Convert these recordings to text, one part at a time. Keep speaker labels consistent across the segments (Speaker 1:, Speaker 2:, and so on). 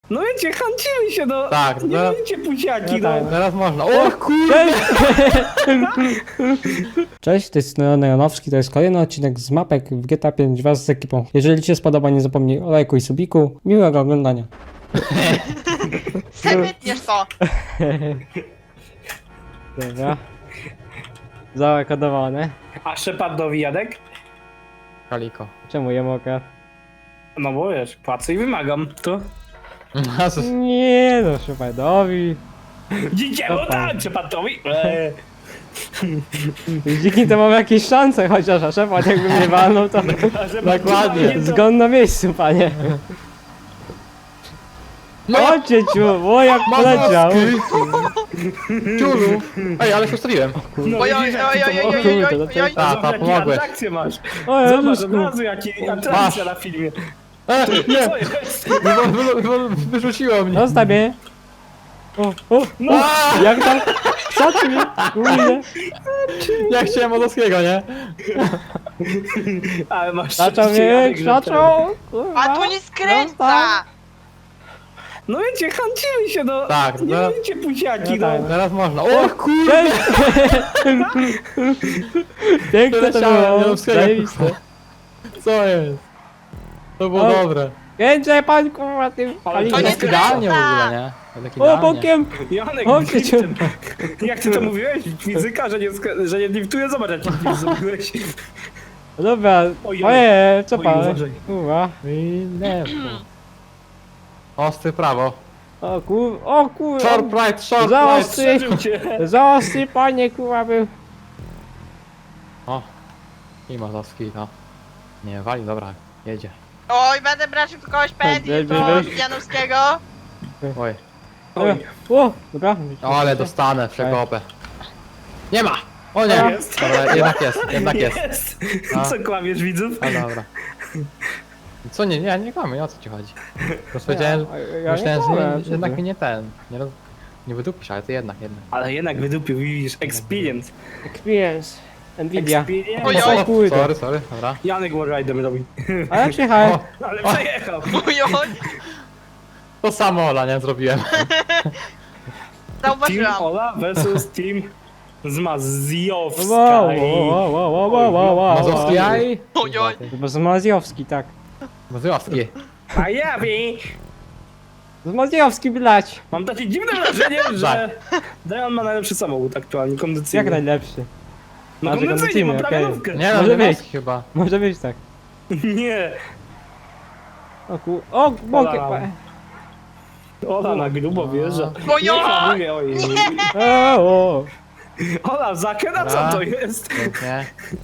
Speaker 1: No wiecie, chęcimy się, no.
Speaker 2: Tak,
Speaker 1: nie
Speaker 2: zaraz-
Speaker 1: wiecie, pusiaki,
Speaker 3: no
Speaker 1: no.
Speaker 3: tak.
Speaker 2: Teraz można. O kurde!
Speaker 3: Cześć, to jest Leon Janowski, to jest kolejny odcinek z mapek w GTA 5 wraz z ekipą. Jeżeli Ci się spodoba, nie zapomnij o lajku i subiku. Miłego oglądania.
Speaker 4: Se wytniesz to!
Speaker 3: Dobra. Załakodowane.
Speaker 1: A Szepardowi Jadek?
Speaker 2: Kaliko.
Speaker 3: Czemu je mogę?
Speaker 1: No bo wiesz, płacę i wymagam, to.
Speaker 3: Nie no, Szepardowi.
Speaker 1: Dzięki,
Speaker 3: To
Speaker 1: no
Speaker 3: pan.
Speaker 1: tak, Szepardowi.
Speaker 3: Dzięki temu mam jakieś szanse, chociaż a Szepard jakby mnie walnął, to
Speaker 1: Dokładnie.
Speaker 3: zgon na miejscu, panie. Chodźcie ciu, o jak poleciał.
Speaker 2: Ciulu! Ej, ale się ustawiłem.
Speaker 1: No,
Speaker 4: Oj, oj,
Speaker 1: widzisz,
Speaker 4: oj,
Speaker 1: jak
Speaker 4: oj,
Speaker 1: ty to
Speaker 4: oj,
Speaker 1: możesz?
Speaker 4: oj, oj,
Speaker 3: Kurde,
Speaker 4: oj, oj.
Speaker 2: Ta,
Speaker 1: Zobacz, jakie
Speaker 2: pomogłeś.
Speaker 1: atrakcje masz.
Speaker 3: O
Speaker 1: Zobacz
Speaker 3: Jezusku.
Speaker 1: od razu, jakie atrakcje na filmie.
Speaker 2: Nie!
Speaker 1: Co jest?
Speaker 2: Wyrzuciło mnie.
Speaker 3: Zostaw mnie. O,
Speaker 1: No,
Speaker 3: jak tam? Co mnie? Kurde.
Speaker 2: Ja chciałem Odowskiego, nie?
Speaker 1: ale masz
Speaker 3: Zaczął
Speaker 1: szczęście,
Speaker 3: mnie,
Speaker 1: Jadek, że ten-
Speaker 3: krzaczą.
Speaker 4: A tu nie skręca!
Speaker 1: No wiecie, chęcimy się, no.
Speaker 2: Tak,
Speaker 1: nie
Speaker 2: zaraz-
Speaker 1: wiecie, pusiaki,
Speaker 3: No
Speaker 1: no.
Speaker 3: tak.
Speaker 2: Teraz można. O kurde!
Speaker 3: Piękne to
Speaker 2: Przeleciałem
Speaker 3: było.
Speaker 2: Janowskiego.
Speaker 3: Zajebiste.
Speaker 2: Co jest? To było
Speaker 3: O.
Speaker 2: dobre.
Speaker 3: Kręcę pan kurwa tym
Speaker 1: Ale
Speaker 3: palikiem.
Speaker 4: to nie
Speaker 2: Tak idealnie w
Speaker 4: skręca.
Speaker 2: ogóle, nie? Tak
Speaker 3: O,
Speaker 2: idealnie.
Speaker 3: bokiem.
Speaker 1: Janek,
Speaker 3: Chodźcie cię.
Speaker 1: driftem. Jak ty to mówiłeś? Fizyka, że nie driftuje? Zobacz, jak drift zrobiłeś.
Speaker 3: Dobra,
Speaker 1: Oj,
Speaker 3: oje, co
Speaker 1: oj,
Speaker 3: pan?
Speaker 1: uważaj.
Speaker 3: Kurwa.
Speaker 2: I lewo. Ostry prawo.
Speaker 3: O kurwa.
Speaker 2: Short right, short
Speaker 3: Za
Speaker 2: right.
Speaker 3: ostry.
Speaker 1: Przeżył cię.
Speaker 3: Za ostry panie kurwa był.
Speaker 2: O. I Mazowski, no. Nie, wali, dobra, jedzie.
Speaker 4: Oj, będę brać w kogoś pędzi, to Janowskiego.
Speaker 2: Oj.
Speaker 1: Oj.
Speaker 3: O, dobra.
Speaker 2: Ale dostanę przekopę. Nie ma! O nie!
Speaker 1: Jest.
Speaker 2: Dobra, jednak jest. A.
Speaker 1: Co kłamiesz, widzów?
Speaker 2: A dobra. Co nie, nie kłamię, o co ci chodzi? Bo powiedziałem,
Speaker 3: Ja
Speaker 2: myślałem,
Speaker 3: nie
Speaker 2: że
Speaker 3: kłamę, co
Speaker 2: jednak
Speaker 3: ty.
Speaker 2: mnie nie ten, nie wydupisz, ale to jednak.
Speaker 1: Ale jednak wydupił, widzisz, experience.
Speaker 3: Experience. Nvidia.
Speaker 1: Experience.
Speaker 4: Oj,
Speaker 3: O
Speaker 4: oj.
Speaker 3: kurde.
Speaker 2: Sorry, dobra.
Speaker 1: Janek Warriderem robi.
Speaker 3: A ja przyjechałem.
Speaker 2: O,
Speaker 1: Ale przejechał.
Speaker 4: Oj, oj.
Speaker 2: to samo Ola, nie zrobiłem.
Speaker 1: Team
Speaker 4: Zauważyłam.
Speaker 1: Ola versus Team Zmazjowska.
Speaker 3: Wow.
Speaker 2: Mazowski jaj?
Speaker 4: Oj, oj.
Speaker 3: Zmazjowski, tak.
Speaker 2: Mazowski.
Speaker 1: A ja wie.
Speaker 3: Zmazjowski, blać.
Speaker 1: Mam takie dziwne wrażenie, że Dion ma najlepszy samochód aktualnie, kondycyjny.
Speaker 3: Jak najlepszy.
Speaker 1: No
Speaker 3: Znaczy
Speaker 1: kondycyjnie, ma
Speaker 3: kondycyjny,
Speaker 1: prawie
Speaker 3: okej.
Speaker 1: nówkę.
Speaker 2: Nie
Speaker 3: Może
Speaker 2: no,
Speaker 3: być.
Speaker 2: Mazowski chyba.
Speaker 3: Może być tak.
Speaker 1: Nie.
Speaker 3: O, bokiem.
Speaker 1: Ola na grubo wjeżdża.
Speaker 4: Oj,
Speaker 1: Nie
Speaker 4: oj.
Speaker 1: hamuje, oj.
Speaker 3: O.
Speaker 1: Ola, zakręta, co
Speaker 2: Dobra.
Speaker 1: to jest?
Speaker 2: Pięknie.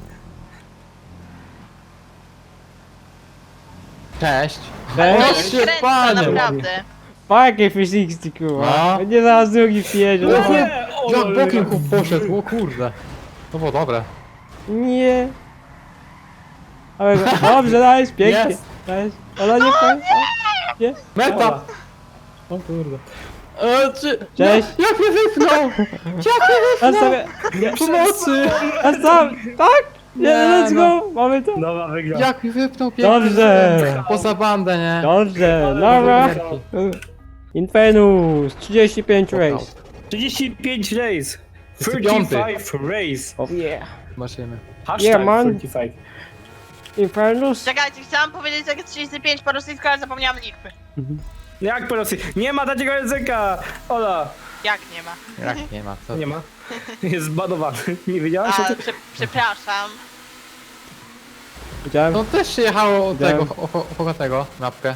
Speaker 2: Cześć.
Speaker 4: To nie
Speaker 3: Cześć.
Speaker 4: skręca,
Speaker 2: panie.
Speaker 4: naprawdę.
Speaker 3: Jakie physics, kurwa.
Speaker 2: No.
Speaker 3: Nie zaraz drugi przyjedzie.
Speaker 1: No
Speaker 3: No.
Speaker 1: nie,
Speaker 2: Jak bokiem poszedł, o kurde. To było dobre.
Speaker 3: Nie. Ale dobrze, dajesz, pięknie.
Speaker 2: Jest.
Speaker 3: Dajesz. Ale nie powiem. Nie.
Speaker 2: Meta!
Speaker 1: Ola.
Speaker 2: O kurde.
Speaker 3: Cześć.
Speaker 2: Jak mnie wypchnął!
Speaker 3: A sobie.
Speaker 2: Pomocy!
Speaker 3: A sam. Tak? Nie,
Speaker 2: Nie,
Speaker 3: let's
Speaker 2: no.
Speaker 3: go. Mamy to.
Speaker 1: Nowa wygra.
Speaker 2: Jak mi wypnął pięknie!
Speaker 3: Dobrze.
Speaker 2: Poza bandę, nie?
Speaker 3: Dobrze,
Speaker 1: Ale
Speaker 3: dobra.
Speaker 1: wygrał.
Speaker 3: Infernus, 35 race.
Speaker 1: 35 race.
Speaker 2: 35.
Speaker 1: 35 race.
Speaker 3: Oh yeah.
Speaker 2: Zobaczymy.
Speaker 1: Hashtag
Speaker 3: Yeah, man.
Speaker 1: 35.
Speaker 3: Infernus.
Speaker 4: Czekajcie, chciałam powiedzieć jak 35 po rosyjsku, ale zapomniałam liczby.
Speaker 1: Jak po Rosji? Nie ma takiego języka! Ola!
Speaker 4: Jak nie ma?
Speaker 2: Jak nie ma, co?
Speaker 1: Nie ma. Jest zbanowany. Nie wiedziałaś o
Speaker 4: A,
Speaker 1: tym?
Speaker 4: przepraszam.
Speaker 3: Widziałem.
Speaker 2: No też się jechało od
Speaker 3: Widziałem.
Speaker 2: tego, Hogatego, mapkę.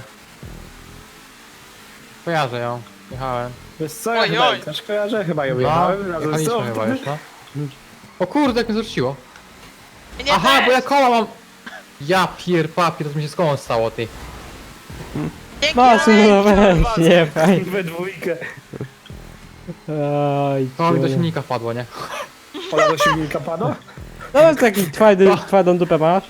Speaker 2: Kojarzę ją. Jechałem.
Speaker 1: Wiesz co, ja
Speaker 4: Oj,
Speaker 1: chyba
Speaker 4: oj.
Speaker 1: też kojarzę, chyba ją
Speaker 2: No,
Speaker 1: jechałem razem z
Speaker 2: jechaliśmy
Speaker 1: tobą.
Speaker 2: chyba już, no. O kurde, jak mnie zrzuciło.
Speaker 4: Nie
Speaker 2: Aha,
Speaker 4: też.
Speaker 2: bo ja koła mam. Ja papier, to mi się z kołem stało, ty.
Speaker 4: Dzięki,
Speaker 3: Masy, no
Speaker 4: Alex.
Speaker 3: weź, nie, fajnie.
Speaker 1: We dwójkę.
Speaker 3: Oj,
Speaker 2: Koło mi do
Speaker 3: kurde.
Speaker 2: silnika wpadło, nie?
Speaker 1: Ola do silnika padła?
Speaker 3: No taki twardą dupę masz.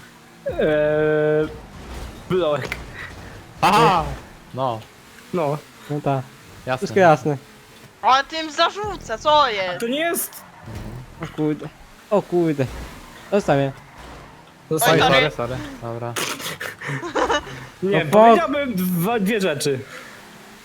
Speaker 1: Blok.
Speaker 2: Aha! No,
Speaker 1: No.
Speaker 3: No tak, wszystko
Speaker 2: jasne.
Speaker 3: jasne.
Speaker 4: On tym zarzuca, co
Speaker 1: A
Speaker 4: jest?
Speaker 1: to nie jest...
Speaker 3: O kurde. O kurde. Zostawię.
Speaker 4: Oj,
Speaker 2: Oj,
Speaker 4: sorry.
Speaker 2: sorry. Dobra.
Speaker 1: Nie,
Speaker 3: No
Speaker 1: powiedziałbym dwie rzeczy.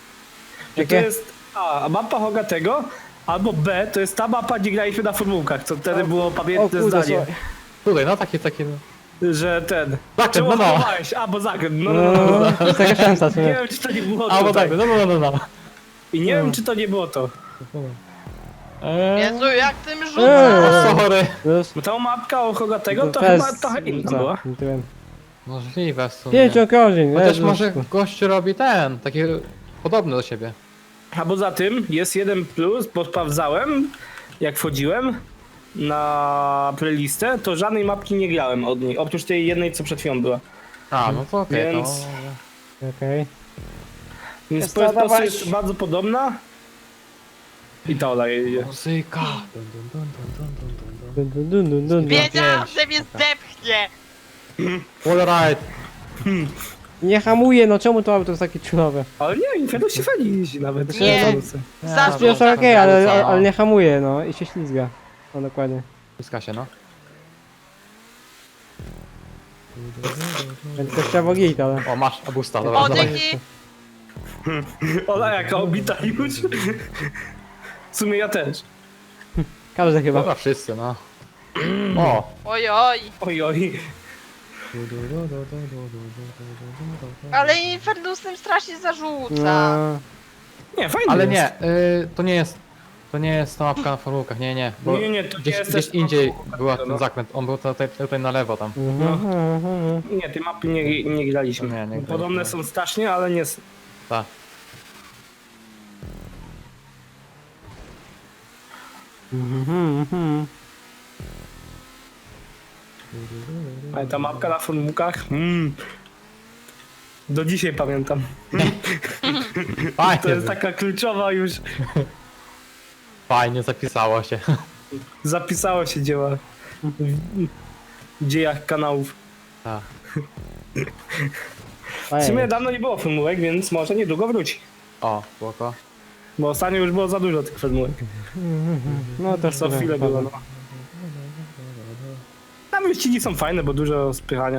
Speaker 1: To
Speaker 3: Jakie?
Speaker 1: jest A, mapa Hogatego, albo B, to jest ta mapa, gdzie graliśmy na formułkach, co wtedy było pamiętne
Speaker 3: kurde,
Speaker 1: zdanie,
Speaker 3: słuchaj.
Speaker 2: Tutaj, no takie, no.
Speaker 1: że ten...
Speaker 2: Zakręt,
Speaker 1: Czemu
Speaker 2: no no.
Speaker 1: hamowałeś? A, bo zakręt, no.
Speaker 3: No, to jest taka szansa, co
Speaker 1: Nie
Speaker 3: nie?
Speaker 1: wiem, czy to nie było
Speaker 2: A,
Speaker 1: to.
Speaker 2: bo tak, no.
Speaker 1: I nie wiem, czy to nie było to.
Speaker 4: Jezu, jak tym rzuca!
Speaker 2: Sorry.
Speaker 3: Już.
Speaker 1: Bo ta mapka o Hogatego to
Speaker 3: fest-
Speaker 1: chyba trochę inna
Speaker 3: co?
Speaker 1: była.
Speaker 3: Nie wiem.
Speaker 2: Możliwe w sumie.
Speaker 3: 5 okrążeń,
Speaker 2: Chociaż
Speaker 3: Jezus.
Speaker 2: może gość robi ten, taki podobny do siebie.
Speaker 1: A poza tym jest jeden plus, bo sprawdzałem, jak wchodziłem na playlistę, to żadnej mapki nie grałem od niej, oprócz tej jednej, co przed chwilą była.
Speaker 2: A, no to okej,
Speaker 1: Więc-
Speaker 3: Okej.
Speaker 1: Więc
Speaker 3: Jest
Speaker 1: po prostu
Speaker 3: dawać.
Speaker 1: jest bardzo podobna. I ta Ola jedzie.
Speaker 2: Muzyka.
Speaker 3: Dun, dun, dun, dun, dun.
Speaker 4: Wiedziałam, że mnie zdepchnie!
Speaker 2: Wallride.
Speaker 3: Nie hamuje, no czemu to auto jest takie czulowe?
Speaker 1: Ale nie, Inferno się fajnie jeździ nawet.
Speaker 4: Nie.
Speaker 3: To jest okej, ale nie hamuje, no i się ślizga. No dokładnie.
Speaker 2: Zyska się, no.
Speaker 3: Więc to trzeba git, ale...
Speaker 2: O, masz abusta, dobra,
Speaker 4: O,
Speaker 2: dawaj.
Speaker 4: dzięki!
Speaker 1: Ola jaka obita już. W sumie ja też.
Speaker 3: Każdy chyba.
Speaker 2: Dobra, wszyscy, no. O.
Speaker 4: Oj, oj.
Speaker 1: Oj, oj.
Speaker 4: Ale Infernusem strasznie zarzuca.
Speaker 3: No,
Speaker 1: Nie, fajnie
Speaker 2: Ale
Speaker 1: jest.
Speaker 2: nie, to nie jest ta mapka na formułkach, nie. Bo
Speaker 1: Nie, to
Speaker 2: gdzieś,
Speaker 1: nie jest
Speaker 2: gdzieś
Speaker 1: też
Speaker 2: indziej
Speaker 1: formułka,
Speaker 2: była
Speaker 1: no.
Speaker 2: ten zakręt, on był tutaj na lewo tam.
Speaker 1: Nie, tej mapy nie graliśmy.
Speaker 2: Nie graliśmy.
Speaker 1: Podobne są strasznie, ale nie są.
Speaker 2: Tak.
Speaker 1: Ale ta mapka na formułkach, do dzisiaj pamiętam.
Speaker 2: Fajnie,
Speaker 1: To jest taka kluczowa już,
Speaker 2: fajnie zapisało się.
Speaker 1: zapisało się dzieła w dziejach kanałów.
Speaker 2: Tak.
Speaker 1: W sumie dawno nie było formułek, więc może niedługo wróci.
Speaker 2: O, spoko.
Speaker 1: Bo ostatnio już było za dużo tych formułek.
Speaker 3: No też
Speaker 1: Co chwilę było, no. Tam wyścigi są fajne, bo dużo spychania.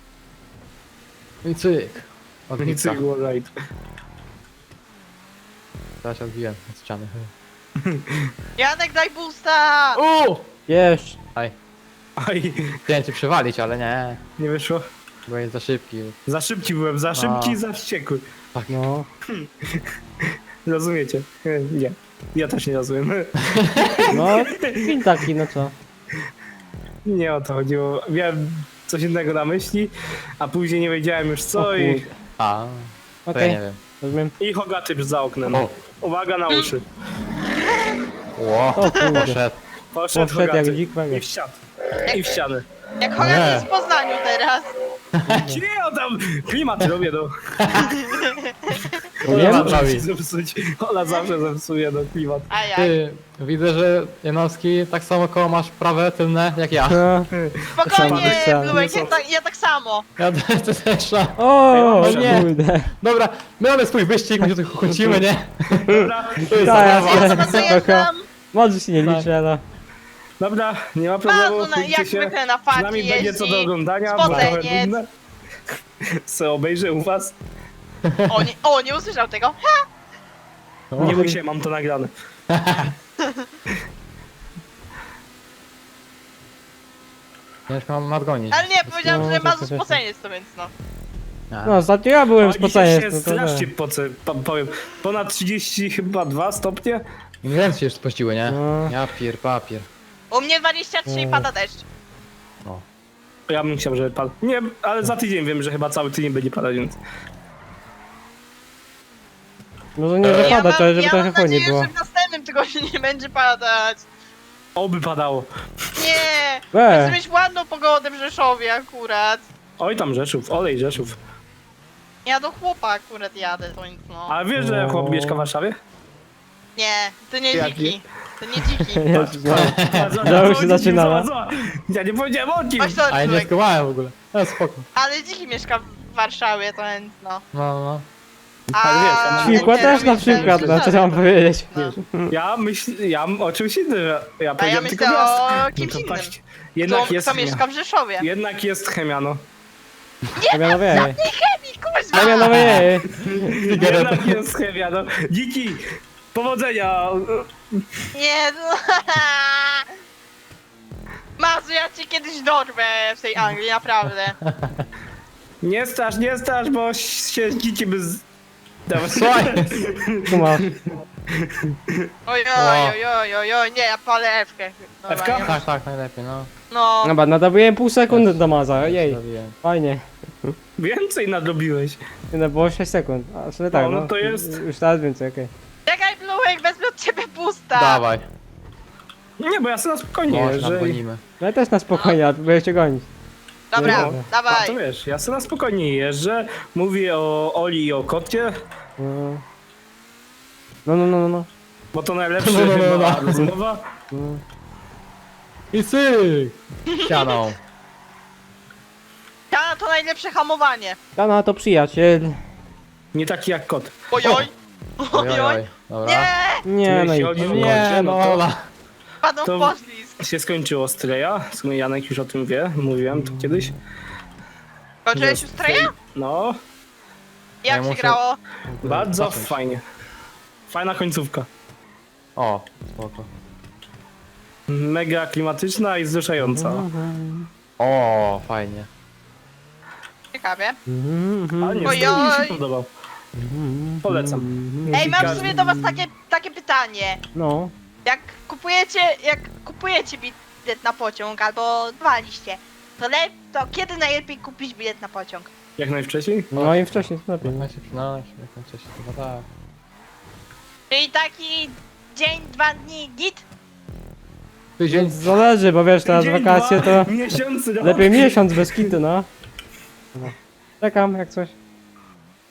Speaker 2: I cyk. Od
Speaker 1: I
Speaker 2: Nika.
Speaker 1: cyk, right.
Speaker 2: Teraz się odbiłem od ściany.
Speaker 4: Janek, daj boosta!
Speaker 3: Jeszcze.
Speaker 2: Aj.
Speaker 1: Aj,
Speaker 2: Chciałem cię przywalić, ale nie.
Speaker 1: nie wyszło.
Speaker 2: Bo jest za szybki.
Speaker 1: Za szybki byłem, za szybki, za wściekły.
Speaker 3: No.
Speaker 1: Rozumiecie? Nie. Ja też nie rozumiem.
Speaker 3: No, film taki, no co?
Speaker 1: Nie o to chodziło. Miałem coś innego na myśli, a później nie wiedziałem już
Speaker 3: O
Speaker 1: co i...
Speaker 3: kurde.
Speaker 2: A, to
Speaker 3: Okej,
Speaker 2: ja nie wiem.
Speaker 3: rozumiem.
Speaker 1: I Hogaty za oknem.
Speaker 2: O.
Speaker 1: Uwaga na uszy.
Speaker 2: Ło,
Speaker 3: O kurde.
Speaker 2: poszedł.
Speaker 1: Poszedł
Speaker 3: Poszedł jak
Speaker 1: Hogaty.
Speaker 3: dzik
Speaker 1: I w ścianę. I w ścianę.
Speaker 4: Jak Hogan jest w Poznaniu teraz.
Speaker 1: Nie, o tam klimat robię, no.
Speaker 3: Wiem?
Speaker 1: Ola zawsze
Speaker 2: robi.
Speaker 1: musi zepsuć. Ola zawsze zepsuje, no, klimat.
Speaker 4: A jak?
Speaker 2: Ty, widzę, że Janowski tak samo koło masz prawe tylne jak ja.
Speaker 3: No.
Speaker 4: Spokojnie,
Speaker 3: Sam-
Speaker 4: Blułek,
Speaker 1: sam-
Speaker 4: ja tak samo.
Speaker 2: Ja też.
Speaker 3: O,
Speaker 1: Ej,
Speaker 2: nie.
Speaker 3: kurde.
Speaker 2: Dobra, my mamy swój wyścig, my się tu kłócimy, nie?
Speaker 1: Dobra,
Speaker 3: Tak,
Speaker 4: Ja
Speaker 3: ale
Speaker 4: sama
Speaker 3: spoko.
Speaker 4: dojeżdżam.
Speaker 3: Może się nie
Speaker 2: Tak.
Speaker 3: liczy, ale...
Speaker 1: dobra, nie ma problemu.
Speaker 4: Bardzo
Speaker 1: pójdźcie
Speaker 4: jak
Speaker 1: się.
Speaker 4: zwykle na
Speaker 1: Przynajmniej
Speaker 4: faki
Speaker 1: będzie co do
Speaker 4: jeździ.
Speaker 1: oglądania, bo trochę
Speaker 4: Spoceniec.
Speaker 1: nudne. Se obejrzę u was.
Speaker 4: O, nie usłyszał tego. Ha!
Speaker 1: Nie bój się, mam to nagrane.
Speaker 2: Ciężko mam nadgonić.
Speaker 4: Ale nie, powiedziałam,
Speaker 3: No,
Speaker 4: że ma
Speaker 3: to-
Speaker 4: spoceniec, to więc no.
Speaker 3: No, ostatnio ja byłem
Speaker 1: O,
Speaker 3: spocenie.
Speaker 1: dzisiaj się strasznie poce, powiem. Ponad 30 chyba 2 stopnie.
Speaker 2: Ręce się już spościły, nie?
Speaker 3: No.
Speaker 2: Ja papier.
Speaker 4: U mnie 23 i pada deszcz.
Speaker 1: Ja bym chciał, żeby padł. Nie, ale za tydzień wiem, że chyba cały tydzień będzie padać, więc...
Speaker 3: Może nie wypada, to żeby
Speaker 4: ja
Speaker 3: trochę
Speaker 4: mam
Speaker 3: fajnie
Speaker 4: nadzieję,
Speaker 3: było.
Speaker 4: że w następnym tygodniu nie będzie padać.
Speaker 1: Oby padało.
Speaker 4: Nie!
Speaker 3: We.
Speaker 4: Chcę mieć ładną pogodę w Rzeszowie akurat.
Speaker 1: Oj tam Rzeszów, olej Rzeszów.
Speaker 4: Ja do chłopa akurat jadę, to nic no.
Speaker 1: A wiesz, że chłop mieszka w Warszawie?
Speaker 4: Nie, to nie
Speaker 1: Jak
Speaker 4: dziki. To nie dziki.
Speaker 3: Jezus, no.
Speaker 1: Zobacz,
Speaker 3: Znowu się
Speaker 1: zobacz,
Speaker 3: zaczynała.
Speaker 1: zobacz. Ja nie powiedziałem o kim.
Speaker 4: Masz to,
Speaker 2: A ja nie
Speaker 4: człowiek.
Speaker 2: skumałem w ogóle. No spoko.
Speaker 4: Ale dziki mieszka w Warszawie, to więc no.
Speaker 2: No.
Speaker 1: Ale wiesz, ja mam-
Speaker 3: Świnkła
Speaker 4: nie,
Speaker 3: też na
Speaker 4: myślę,
Speaker 3: przykład,
Speaker 4: że
Speaker 3: no co ja mam powiedzieć.
Speaker 4: No.
Speaker 1: Ja o czymś innym. Ja
Speaker 4: A ja
Speaker 1: powiedziałem
Speaker 4: myślę
Speaker 1: tylko miasto.
Speaker 4: o kimś
Speaker 1: to
Speaker 4: innym.
Speaker 1: patrzcie. Jednak
Speaker 4: Kto
Speaker 1: jest
Speaker 4: mieszka w Rzeszowie?
Speaker 1: Jednak jest Chemia, no.
Speaker 3: Chemianowie.
Speaker 4: Kuźwa!
Speaker 3: Chemianowie.
Speaker 1: Jednak jest chemia, no. Dziki, powodzenia.
Speaker 4: Nie, no. Mazu, ja cię kiedyś dorwę w tej Anglii, naprawdę.
Speaker 1: Nie strasz, bo się dziki by z... Dobra,
Speaker 2: Słuchaj.
Speaker 3: Tu masz.
Speaker 4: Oj, nie, ja palę F-kę.
Speaker 1: F-ka?
Speaker 2: Tak, najlepiej, no.
Speaker 4: No,
Speaker 3: Dobra, nadawiłem pół sekundy do Maza, jej.
Speaker 2: Zrobiłem.
Speaker 3: Fajnie.
Speaker 1: Więcej nadrobiłeś.
Speaker 3: No było 6 sekund. A sobie tak,
Speaker 1: No, no to jest-
Speaker 3: Już teraz więcej, okej.
Speaker 4: czekaj, Bluek, wezmę od ciebie boosta.
Speaker 2: Dawaj.
Speaker 1: Nie, bo ja sobie na spokojnie
Speaker 2: Można,
Speaker 1: jeżdżę.
Speaker 2: gonimy.
Speaker 3: No ja też na spokojnie, a próbuję cię gonić.
Speaker 4: Dobra,
Speaker 3: No.
Speaker 1: A
Speaker 4: dawaj.
Speaker 1: to wiesz, ja sobie na spokojnie jeżdżę, mówię o Oli i o kocie,
Speaker 3: No.
Speaker 1: bo to najlepsza
Speaker 2: No.
Speaker 1: chyba rozmowa.
Speaker 2: I syk! Ścianą.
Speaker 4: Ja to najlepsze hamowanie.
Speaker 3: Dana to przyjaciel.
Speaker 1: Nie taki jak kot.
Speaker 4: Ojoj.
Speaker 2: Ojoj. Dobra.
Speaker 4: Nie,
Speaker 3: Nie, no
Speaker 1: Jeśli
Speaker 3: i...
Speaker 1: chodzi o
Speaker 2: Nie,
Speaker 1: kocie,
Speaker 2: no
Speaker 1: to
Speaker 2: Ola.
Speaker 4: padną
Speaker 1: To-
Speaker 4: w poślizg.
Speaker 1: się skończyło Streja. W sumie Janek już o tym wie, mówiłem to kiedyś.
Speaker 4: Kończyłeś już treja?
Speaker 1: No,
Speaker 4: Jak
Speaker 2: Ja
Speaker 4: się
Speaker 2: muszę-
Speaker 4: grało?
Speaker 1: bardzo
Speaker 2: Zacząć.
Speaker 1: fajnie. Fajna końcówka.
Speaker 2: O, spoko.
Speaker 1: Mega klimatyczna i wzruszająca.
Speaker 2: O, fajnie.
Speaker 4: Ciekawie.
Speaker 1: Ale nie,
Speaker 4: Ojoj.
Speaker 1: Strej mi się podobał. Polecam.
Speaker 4: Ej, mam w
Speaker 1: Każdy-
Speaker 4: sumie do was takie pytanie.
Speaker 3: No.
Speaker 4: Jak kupujecie bilet na pociąg albo waliście, to kiedy najlepiej kupić bilet na pociąg?
Speaker 1: Jak najwcześniej?
Speaker 3: No i wcześniej to lepiej.
Speaker 2: Jak najszybciej, no, jak najwcześniej, chyba tak.
Speaker 4: Czyli taki dzień, 2 dni, git?
Speaker 2: Tydzień.
Speaker 3: Zależy, bo wiesz, teraz
Speaker 1: Tydzień,
Speaker 3: wakacje
Speaker 1: dwa
Speaker 3: to
Speaker 1: miesiące, no.
Speaker 3: lepiej miesiąc bez kitu, no. Czekam, jak coś.